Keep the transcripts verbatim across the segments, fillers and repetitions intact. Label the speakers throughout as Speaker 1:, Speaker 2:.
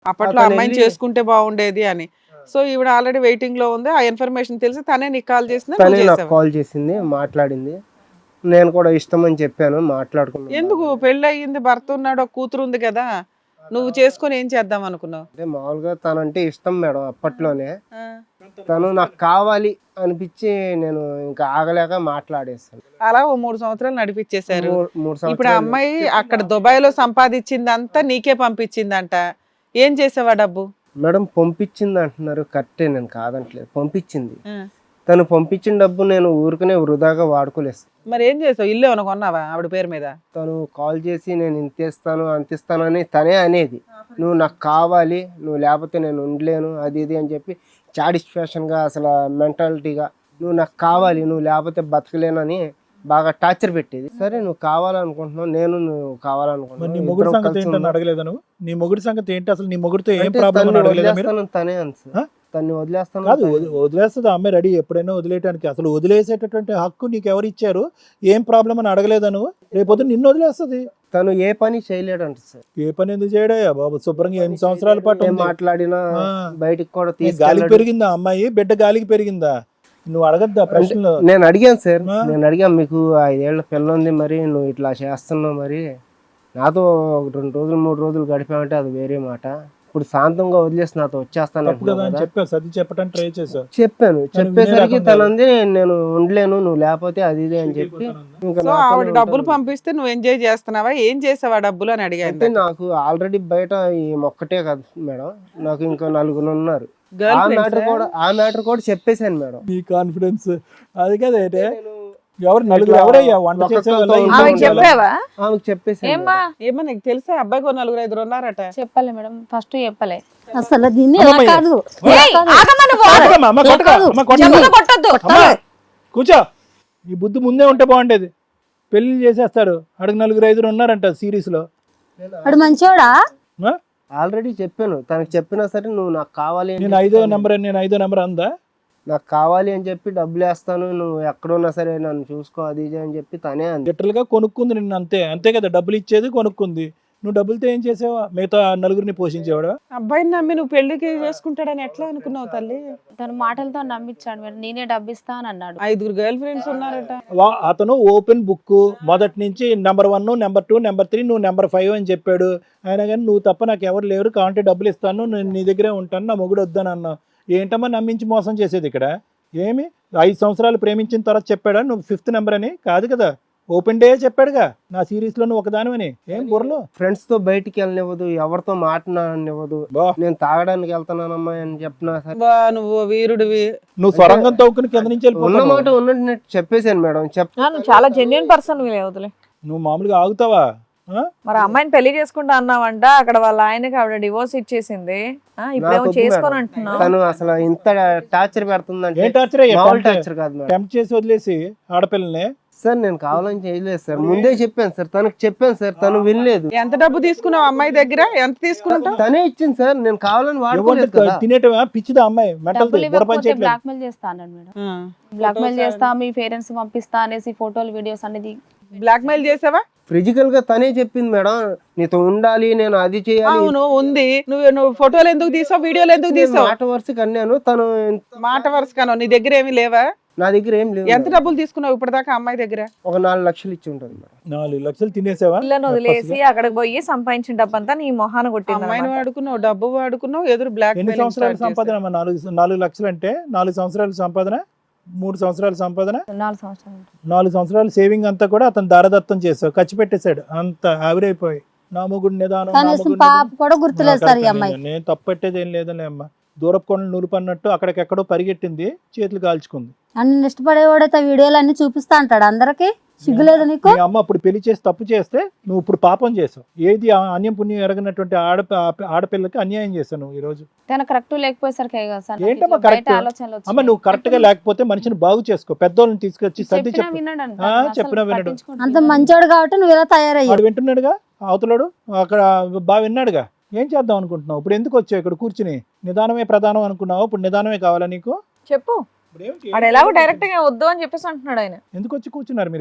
Speaker 1: అప్పట్లో అమ్మాయిని చేసుకుంటే బాగుండేది అని. సో ఈవిడ ఆల్రెడీ వెయిటింగ్ లో ఉంది, ఆ ఇన్ఫర్మేషన్ తెలిసి తనే నీకు కాల్ చేసింది,
Speaker 2: తనే నాకు కాల్ చేసింది, మాట్లాడింది. నేను కూడా ఇష్టం అని చెప్పాను, మాట్లాడుకున్నాను.
Speaker 1: ఎందుకు పెళ్లి అయ్యింది, భర్త ఉన్నాడు, ఒక కూతురు ఉంది కదా, నువ్వు చేసుకొని ఏం చేద్దాం అనుకున్నావు?
Speaker 2: అంటే మామూలుగా తనంటే ఇష్టం మేడం అప్పట్లోనే. తను నాకు కావాలి అనిపించి నేను ఇంకా ఆగలేక మాట్లాడేస్తాను.
Speaker 1: అలా ఓ మూడు సంవత్సరాలు నడిపించేశారు.
Speaker 2: మూడు
Speaker 1: ఇప్పుడు ఆ అమ్మాయి అక్కడ దుబాయ్ లో సంపాదించిందంతా నీకే పంపించిందంట, ఏం చేసావా డబ్బు?
Speaker 2: మేడం పంపించింది అంటున్నారు, కరెక్టే, నేను కాదంటలేదు, పంపించింది. తను పంపించిన డబ్బు నేను ఊరికనే వృధాగా వాడుకోలేదు.
Speaker 1: మరి ఏం చేసావు? ఇల్లు ఏమైనా కొన్నావా ఆవిడ పేరు మీద?
Speaker 2: తను కాల్ చేసి నేను ఇంతేస్తాను అంతిస్తాను అని తనే అనేది, నువ్వు నాకు కావాలి, నువ్వు లేకపోతే నేను ఉండలేను అది ఇది అని చెప్పి సాటిస్ఫాక్షన్గా అసలు మెంటాలిటీగా నువ్వు నాకు కావాలి, నువ్వు లేకపోతే బతకలేనని బాగా టార్చర్ పెట్టేది. సరే నువ్వు కావాలనుకుంటున్నావు, నేను నువ్వు కావాలనుకుంటున్నాను.
Speaker 3: నీ మొగుడు సంగతి ఏంటని అడగలేదు నువ్వు? నీ మొగుడు సంగతి ఏంటి అసలు? నీ మొగుడితో ఏం ప్రాబ్లం అడగలేదా మీరు?
Speaker 2: తనే అన్సు తన్ని వదిలేస్తాను
Speaker 3: కాదు, వదిలేస్తుంది అమ్మాయి రెడీ ఎప్పుడైనా వదిలేయడానికి. అసలు వదిలేసేటటువంటి హక్కు నీకు ఎవరు ఇచ్చారు? ఏం ప్రాబ్లం అని అడగలేదా నువ్వు? రేపొద్దు నిన్ను వదిలేస్తుంది.
Speaker 2: తను ఏ పని చేయలేడంట సార్.
Speaker 3: ఏ పని ఎందుకు చేయడయ్యా బాబు? శుభ్రంగా ఎనిమిది సంవత్సరాల పాటు
Speaker 2: మాట్లాడినా బయటికి కూడా
Speaker 3: గాలికి పెరిగిందా అమ్మాయి? బిడ్డ గాలికి పెరిగిందా? నువ్వు అడగద్దా ప్రశ్నలు?
Speaker 2: నేను అడిగాను సార్, నేను అడిగాను, మీకు ఐదేళ్ల పిల్ల ఉంది, మరి నువ్వు ఇట్లా చేస్తున్నావు, మరి నాతో రెండు రోజులు మూడు రోజులు గడిపామంటే అది వేరే మాట, ఇప్పుడు శాంతంగా వదిలేసి నాతో వచ్చేస్తాను
Speaker 3: చెప్పాను. సర్ది చెప్పడానికి ట్రై చేశాను.
Speaker 2: చెప్పాను, చెప్పేసరికి తనంది నేను ఉండలేను, నువ్వు లేకపోతే అది ఇది అని చెప్పి.
Speaker 1: సో ఆవిడ డబ్బులు పంపిస్తే నువ్వు ఎంజాయ్ చేస్తున్నావా? ఏం చేసావా డబ్బులు అని అడిగాను.
Speaker 2: నాకు ఆల్రెడీ బయట ఈ మొక్కటే కదా మేడం, నాకు ఇంకా నలుగురు ఉన్నారు. ఆ మ్యాటర్ కూడా ఆ మ్యాటర్ కూడా చెప్పేశాను మేడం.
Speaker 3: నీ కాన్ఫిడెన్స్ అది కదే. ఎవరు నలుగురు? ఎవరయ్యా వంట చేసేవాళ్ళ?
Speaker 2: చెప్పేసాను.
Speaker 1: ఏమో నీకు తెలుసా అబ్బాయికి నలుగురు ఐదుగురు ఉన్నారట?
Speaker 4: చెప్పలే మేడం, ఫస్ట్ చెప్పలే.
Speaker 5: అసలు దీన్ని కాదు,
Speaker 3: కూర్చో. ఈ బుద్ధి ముందే ఉంటే బాగుండేది. పెళ్లి చేసేస్తారు, అడుగు నలుగురు ఐదుగురు ఉన్నారంట సిరీస్ లో.
Speaker 5: అడు మంచోడా?
Speaker 2: ఆల్రెడీ చెప్పాను, తనకు చెప్పినా సరే నువ్వు నాకు కావాలి,
Speaker 3: నేను ఐదో నెంబర్ నేను ఐదో నెంబర్ అందా,
Speaker 2: నాకు కావాలి అని చెప్పి డబ్బులు వేస్తాను, నువ్వు ఎక్కడున్నా సరే నన్ను చూసుకో అది ఇది అని చెప్పి తనే అంది.
Speaker 3: లిటరల్ గా కొనుక్కుంది నిన్ను, అంతే అంతే కదా. డబ్బులు ఇచ్చేది కొనుక్కుంది. నువ్వు డబ్బులతో ఏం చేసావా? మిగతా నలుగురిని పోషించేవాడు.
Speaker 1: అబ్బాయిని నమ్మి నువ్వు పెళ్లికి చేసుకుంటాడని ఎట్లా అనుకున్నావు తల్లి?
Speaker 4: తన మాటలతో నమ్మించాడు మేడం, నేనే డబ్బు ఇస్తా అని అన్నాడు.
Speaker 1: ఐదుగురు గర్ల్ ఫ్రెండ్స్ ఉన్నారట.
Speaker 3: అతను ఓపెన్ బుక్ మొదటి నుంచి number one number two number three నువ్వు నెంబర్ ఫైవ్ అని చెప్పాడు. అయినా కానీ నువ్వు తప్ప నాకు ఎవరు లేరు, కావాలంటే డబ్బులు ఇస్తాను, నేను నీ దగ్గరే ఉంటాను, నా మొగుడు వద్దని అన్నావు. ఏంటమ్మా నమ్మించి మోసం చేసేది ఇక్కడ? ఏమి ఐదు సంవత్సరాలు ప్రేమించిన తర్వాత చెప్పాడా నువ్వు ఫిఫ్త్ నెంబర్ అని? కాదు కదా, ఓపెన్ డే చెప్పాడుగా నా సిరీస్ లో నువ్వు ఒకదానివని. ఏం బుర్రలో
Speaker 2: ఫ్రెండ్స్ తో బయటికి వెళ్ళనివ్వదు, ఎవరితో మాట్లాడనివ్వదు, నేను తాగడానికి వెళ్తానమ్మా అని చెప్పినా సరే
Speaker 1: నువ్వు వీరుడివి,
Speaker 3: నువ్వు సొరంగం తవ్వుకుని కింద నుంచి
Speaker 2: ఉన్నమాట ఉన్నట్టు చెప్పేశాను మేడం.
Speaker 6: నువ్వు చాలా జెన్యున్ పర్సన్ వదిలే.
Speaker 3: నువ్వు మామూలుగా ఆగుతావా?
Speaker 6: మరి అమ్మాయిని పెళ్లి చేసుకుంటా అన్నావంట, అక్కడ వాళ్ళ ఆయనకి ఆవిడ డివోర్స్ ఇచ్చేసింది, ఇప్పుడేమో చేసుకొని అంటున్నావు.
Speaker 2: తను అసలు ఇంత టార్చర్ పెడుతుందంటే
Speaker 3: ఏ టార్చర్?
Speaker 2: టార్చర్ కాదు మేడం,
Speaker 3: టెంప్ట్ చేసి వదిలేసి ఆడపిల్లని.
Speaker 2: సార్ నేను కావాలని చేయలేదు సార్, ముందే చెప్పాను సార్, తనకు చెప్పాను సార్, తను వినలేదు.
Speaker 1: ఎంత డబ్బు తీసుకున్నావు అమ్మాయి దగ్గర? ఎంత తీసుకున్నావు?
Speaker 2: తనే ఇచ్చింది సార్, నేను కావాలని వాడుకోలేదు.
Speaker 3: తినేటవా పిచ్చిదా అమ్మాయి? మెంటల్
Speaker 4: బ్లాక్ మెయిల్ చేస్తా అన్నాడు మేడం. బ్లాక్ మెయిల్ చేస్తా, మీ పేరెంట్స్ పంపిస్తా అనేసి ఫోటోలు వీడియోస్ అనేది.
Speaker 1: బ్లాక్ మెయిల్ చేసావా?
Speaker 2: ఫిజికల్ గా తనే చెప్పింది మేడం, నీతో ఉండాలి, నేను అది చేయాలి.
Speaker 1: అవును ఉంది, నువ్వు నువ్వు ఫోటోలు ఎందుకు తీసావు, వీడియోలు ఎందుకు తీసావు?
Speaker 2: మాట వరుసకి అన్నాను, తను
Speaker 1: మాట వరుస కాను. నీ దగ్గర ఏమీ లేవా?
Speaker 2: నా దగ్గర ఏం లేవు.
Speaker 1: ఎంత డబ్బులు తీసుకున్నావు ఇప్పటిదాకా అమ్మాయి దగ్గర?
Speaker 2: ఒక నాలుగు లక్షలు ఇచ్చి ఉంటుంది మేడం.
Speaker 3: నాలుగు లక్షలు తినేసావా?
Speaker 6: పిల్లని వదిలేసి అక్కడికి పోయి సంపాదించిన డబ్బంతా నీ మొహాన కొట్టింది.
Speaker 1: అమ్మాయిని వాడుకున్నావు, డబ్బు వాడుకున్నావు, ఎదురు బ్లాక్.
Speaker 3: ఎన్ని సంవత్సరాల సంపాదన? నాలుగు నాలుగు లక్షలు అంటే నాలుగు సంవత్సరాల సంపాదన, మూడు సంవత్సరాల సంపాదన,
Speaker 4: నాలుగు సంవత్సరాలు
Speaker 3: నాలుగు సంవత్సరాల సేవింగ్ అంతా కూడా అతను దారదత్తం చేసావు, ఖర్చు పెట్టేశాడు, అంత ఆవిరైపోయి. నా మొగుడు నిదానం, నేను తప్పట్టేది ఏం లేదని అమ్మ. దూరపు కొండలు నూరుపన్నట్టు అక్కడికెక్కడో పరిగెట్టింది, చేతులు కాల్చుకుంది.
Speaker 5: అన్ని ఇష్టపడేవాడైతే వీడియోలు అన్ని చూపిస్తా అంటాడు అందరికి, సిగ్గులేదు నీకు?
Speaker 3: అమ్మ అప్పుడు పెళ్లి చేసి తప్పు చేస్తే నువ్వు ఇప్పుడు పాపం చేసావు. ఏది అన్యం పుణ్యం ఎరగనటువంటి ఆడ ఆడపిల్లకి అన్యాయం చేశావు నువ్వు ఈ రోజు.
Speaker 4: కరెక్ట్ లేకపోయేసరికి
Speaker 3: ఏంటమ్మా కరెక్ట్? అమ్మ నువ్వు కరెక్ట్ గా లేకపోతే మనిషిని బాగు చేసుకో, పెద్దోళ్ళని తీసుకొచ్చి సర్ది చెప్పు. చెప్పినా వినడు.
Speaker 5: అంత మంచోడు కాబట్టి నువ్వు ఇలా తయారయ్యాడు.
Speaker 3: వింటున్నాడుగా అవతలాడు, అక్కడ బాగా విన్నాడుగా. ఏం చేద్దాం అనుకుంటున్నావు? ఇప్పుడు ఎందుకు వచ్చావు ఇక్కడ కూర్చుని? నిదానమే ప్రధానం అనుకున్నావు, ఇప్పుడు నిదానమే కావాలా నీకు?
Speaker 6: చెప్పు. ఎలాగో డైరెక్ట్ గా వద్దు అని చెప్పేసి అంటున్నాడు ఆయన.
Speaker 3: ఎందుకు వచ్చి కూర్చున్నారు మీరు ఇక్కడ?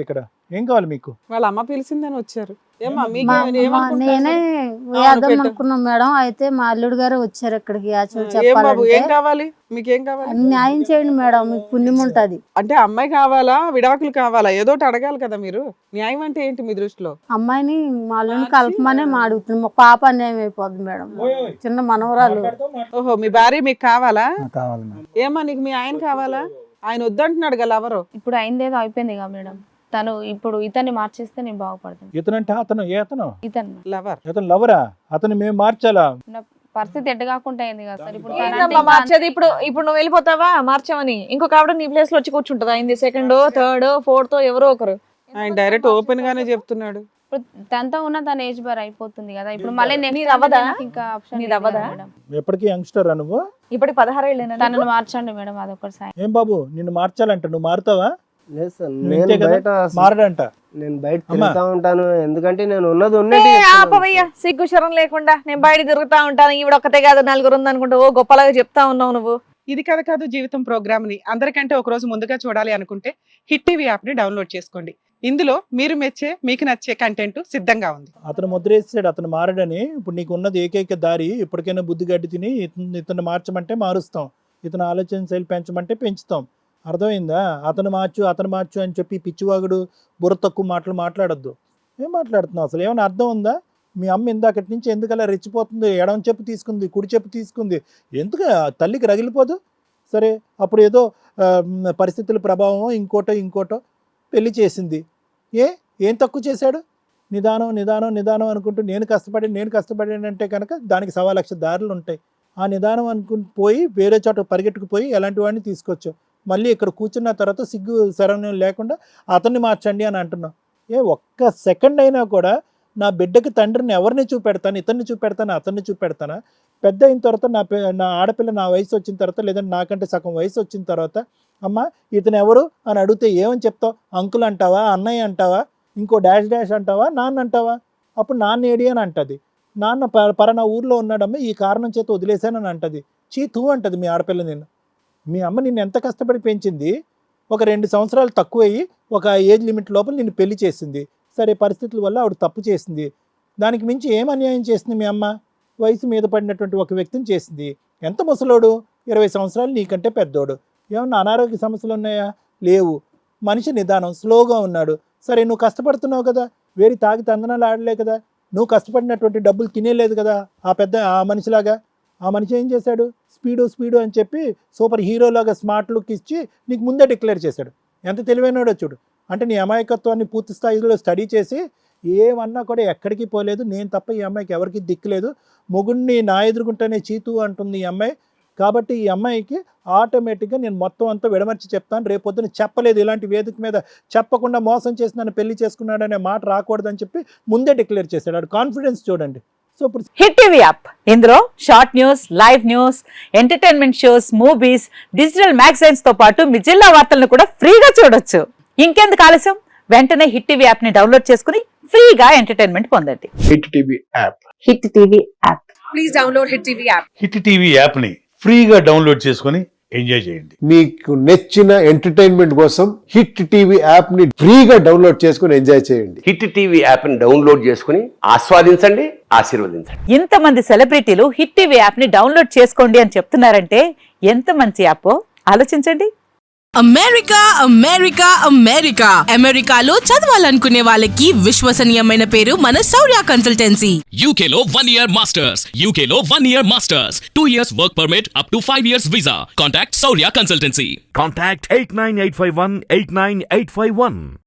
Speaker 3: ఏం కావాలి మీకు?
Speaker 1: వాళ్ళ అమ్మ పిలిచిందని వచ్చారు. ఏమ్మా మీకు
Speaker 5: మా-
Speaker 1: ఏమని-
Speaker 5: మా-
Speaker 1: ఏమనుకుంటున్నారు?
Speaker 5: నేనే
Speaker 1: అవును,
Speaker 5: వేద్దాం
Speaker 1: పెట్టు.
Speaker 5: అనుకున్నాం మేడం. అయితే మా అల్లుడు గారు వచ్చారు ఇక్కడికి యాక్చువల్
Speaker 1: ఏం బాబు
Speaker 5: చెప్పాలంటే.
Speaker 1: ఏం కావాలి మీకేం కావాలి?
Speaker 5: న్యాయం చేయండి మేడం, మీకు పుణ్యం ఉంటది.
Speaker 1: అంటే అమ్మాయి కావాలా విడాకులు కావాలా ఏదో ఒకటి అడగాలి కదా మీరు. న్యాయం అంటే ఏంటి మీ దృష్టిలో?
Speaker 5: అమ్మాయిని మా అల్లుడిని కలపమనే మా అడుగుతున్నాం. మా పాప అన్యాయం అయిపోద్ది మేడం, చిన్న మనవరాలు.
Speaker 1: ఓహో మీ భార్య మీకు కావాలా?
Speaker 7: కావాలి మేడం.
Speaker 1: ఏమ్మా నీకు మీ ఆయన కావాలా? ఆయన వద్దంటున్నాడు కదా ఎవరు?
Speaker 4: ఇప్పుడు అయిందేదో అయిపోయింది కదా మేడం. తను ఇప్పుడు ఇతన్ని మార్చేస్తే నేను బాగుపడతాను.
Speaker 3: ఇతనంటే అతను ఏ అతను?
Speaker 4: ఇతను
Speaker 1: లవర్.
Speaker 3: అతను లవరా? అతను మేము మార్చాలా?
Speaker 4: నా పరిస్థితి ఎట్ట కాకుండా అయింది కదా సార్. ఇప్పుడు తనంటే
Speaker 6: ఏందమ్మా
Speaker 4: ఇంకా
Speaker 6: మార్చేది? ఇప్పుడు ఇప్పుడు నువ్వు వెళ్ళిపోతావా మార్చావని? ఇంకొక ఆవిడ నీ ప్లేస్ లో వచ్చి కూర్చుంటదా? అయింది సెకండ్ థర్డ్ ఫోర్త్ ఎవరో ఒకరు.
Speaker 1: ఆయన డైరెక్ట్ ఓపెన్ గానే చెప్తున్నాడు.
Speaker 4: ఇప్పుడు తనతో ఉన్న తన ఏజ్ బార్ అయిపోతుంది కదా. ఇప్పుడు మళ్ళీ
Speaker 6: నీది
Speaker 4: నెక్స్ట్
Speaker 6: అవ్వదా?
Speaker 4: ఇంకా ఆప్షన్
Speaker 6: నీది అవ్వదా?
Speaker 4: మేడం.
Speaker 3: ఎప్పటికీ యంగ్స్టర్ నువ్వు?
Speaker 6: ఇప్పటికి పదహారేళ్ళేనా?
Speaker 4: తనను మార్చండి మేడం, అదొకటి సాయం.
Speaker 3: ఏం బాబు నిన్ను మార్చాలంట, నువ్వు మారుతావా?
Speaker 2: లేదు సార్,
Speaker 3: నువ్వు
Speaker 2: నేను
Speaker 3: ఇంతే కదా?
Speaker 2: బయట
Speaker 3: మారడంట.
Speaker 2: నేను బయట
Speaker 3: అమ్మా.
Speaker 2: తిరుగుతా ఉంటాను, ఎందుకంటే నేను ఉన్నది
Speaker 6: ఏ,
Speaker 2: ఉన్నట్టు
Speaker 6: ఆపవయ్యా సిగ్గు శరం లేకుండా. నేను బయట తిరుగుతా ఉంటాను, ఈవిడ ఒక్కతే కాదు నలుగురు ఉందనుకుంటా ఓ గొప్పలాగా చెప్తా ఉన్నావు నువ్వు.
Speaker 1: ఇది కథ కాదు జీవితం ప్రోగ్రామ్ ని అందరికంటే ఒక రోజు ముందుగా చూడాలి అనుకుంటే హిట్ టీవీ యాప్ ని డౌన్లోడ్ చేసుకోండి. ఇందులో మీరు మెచ్చే మీకు నచ్చే కంటెంట్ సిద్ధంగా ఉంది.
Speaker 3: అతను ముద్రేసాడు, అతను మారడని. ఇప్పుడు నీకు ఉన్నది ఏకైక దారి, ఇప్పటికైనా బుద్ధి గడ్డి తిని ఇతను ఇతను మార్చమంటే మారుస్తాం, ఇతను ఆలోచన శైలి పెంచమంటే పెంచుతాం. అర్థమైందా? అతను మార్చు అతను మార్చు అని చెప్పి పిచ్చివాగుడు బుర్ర తక్కువ మాటలు మాట్లాడొద్దు. ఏం మాట్లాడుతున్నావు అసలు? ఏమైనా అర్థం ఉందా? మీ అమ్మ ఇందాకటి నుంచి ఎందుకు అలా రెచ్చిపోతుంది? ఎడమ చెప్పు తీసుకుంది, కుడి చెప్పు తీసుకుంది, ఎందుకు తల్లికి రగిలిపోదు? సరే అప్పుడు ఏదో ఆ, పరిస్థితుల ప్రభావం ఇంకోటో ఇంకోటో పెళ్లి చేసింది. ఏ ఏం తక్కువ చేశాడు? నిదానం నిదానం నిదానం అనుకుంటూ నేను కష్టపడి నేను కష్టపడానంటే కనుక దానికి సవా లక్ష దారులు ఉంటాయి. ఆ నిదానం అనుకుని పోయి వేరే చోట పరిగెట్టుకుపోయి ఎలాంటి వాడిని తీసుకొచ్చావు. మళ్ళీ ఇక్కడ కూర్చున్న తర్వాత సిగ్గు శరణ్యం లేకుండా అతన్ని మార్చండి అని అంటున్నావు. ఏ ఒక్క సెకండ్ అయినా కూడా నా బిడ్డకి తండ్రిని ఎవరిని చూపెడతాను? ఇతన్ని చూపెడతాను, అతన్ని చూపెడతానా? పెద్ద అయిన తర్వాత నా నా ఆడపిల్ల నా వయసు వచ్చిన తర్వాత, లేదంటే నాకంటే సగం వయసు వచ్చిన తర్వాత అమ్మ ఇతను ఎవరు అని అడిగితే ఏమని చెప్తావు? అంకుల్ అంటావా, అన్నయ్య అంటావా, ఇంకో డాష్ డాష్ అంటావా, నాన్న అంటావా? అప్పుడు నాన్న ఏడి అని అంటది. నాన్న ప పలానా ఊర్లో ఉన్నాడమ్మ, ఈ కారణం చేత వదిలేశానని అంటది. చీ తూ అంటది మీ ఆడపిల్ల. నిన్ను మీ అమ్మ నిన్ను ఎంత కష్టపడి పెంచింది. ఒక రెండు సంవత్సరాలు తక్కువయ్యి ఒక ఏజ్ లిమిట్ లోపల నిన్ను పెళ్లి చేసింది. సరే పరిస్థితుల వల్ల ఆవిడ తప్పు చేసింది. దానికి మించి ఏం అన్యాయం చేసింది మీ అమ్మ? వయసు మీద పడినటువంటి ఒక వ్యక్తిని చేసింది. ఎంత ముసలోడు? ఇరవై సంవత్సరాలు నీకంటే పెద్దోడు. ఏమన్నా అనారోగ్య సమస్యలు ఉన్నాయా? లేవు. మనిషి నిదానం స్లోగా ఉన్నాడు. సరే నువ్వు కష్టపడుతున్నావు కదా, వేరే తాగి తందనాలు ఆడలే కదా, నువ్వు కష్టపడినటువంటి డబ్బులు తినేలేదు కదా ఆ పెద్ద ఆ మనిషిలాగా. ఆ మనిషి ఏం చేశాడు? స్పీడు స్పీడు అని చెప్పి సూపర్ హీరోలాగా స్మార్ట్ లుక్ ఇచ్చి నీకు ముందే డిక్లేర్ చేశాడు. ఎంత తెలివైనడో చూడు. అంటే నీ అమాయకత్వాన్ని పూర్తి స్థాయిలో స్టడీ చేసి ఏమన్నా కూడా ఎక్కడికి పోలేదు. నేను తప్ప ఈ అమ్మాయికి ఎవరికి దిక్కులేదు. మొగుడిని నా ఎదురుకుంటేనే చీతు అంటుంది ఈ అమ్మాయి. కాబట్టి ఈ అమ్మాయికి ఆటోమేటిక్గా నేను మొత్తం అంతా విడమర్చి చెప్తాను. రేపొద్దున చెప్పలేదు, ఇలాంటి వేదిక మీద చెప్పకుండా మోసం చేసి నన్ను పెళ్లి చేసుకున్నాడనే మాట రాకూడదని చెప్పి ముందే డిక్లేర్ చేశాడు. ఆడు కాన్ఫిడెన్స్ చూడండి. సో ఇప్పుడు
Speaker 8: హిట్ టీవీ యాప్, ఇందులో short news, live news, entertainment shows, movies, digital magazines తో పాటు మీ జిల్లా వార్తలను కూడా ఫ్రీగా చూడొచ్చు. ఇంకెందుకు ఆలస్యం? వెంటనే హిట్ టీవీ యాప్ ని డౌన్లోడ్ చేసుకుని ఫ్రీగా ఎంటర్టైన్మెంట్ పొందండి.
Speaker 9: Hit TV app
Speaker 8: hit TV app.
Speaker 6: Please download hit TV app.
Speaker 9: Hit TV app ని ఫ్రీగా డౌన్లోడ్ చేసుకొని ఎంజాయ్ చేయండి.
Speaker 10: మీకు నచ్చిన ఎంటర్టైన్మెంట్ కోసం హిట్ టీవీ యాప్ ని ఫ్రీగా డౌన్లోడ్ చేసుకొని ఎంజాయ్ చేయండి.
Speaker 11: హిట్ టీవీ యాప్ ని డౌన్లోడ్ చేసుకుని ఆస్వాదించండి, ఆశీర్వదించండి.
Speaker 8: ఇంతమంది సెలబ్రిటీలు హిట్ టీవీ యాప్ ని డౌన్లోడ్ చేసుకోండి అని చెప్తున్నారంటే ఎంత మంచి యాప్ ఆలోచించండి.
Speaker 12: అమెరికా అమెరికా అమెరికా అమెరికాలో చదవాలనుకునే వాళ్ళకి విశ్వసనీయమైన పేరు మన శౌర్య కన్సల్టెన్సీ.
Speaker 13: యూకేలో వన్ ఇయర్ మాస్టర్స్, యూకేలో one year masters, two years work permit, up to five years visa. Contact Shaurya consultancy.
Speaker 14: Contact eight nine eight five one eight nine eight five one.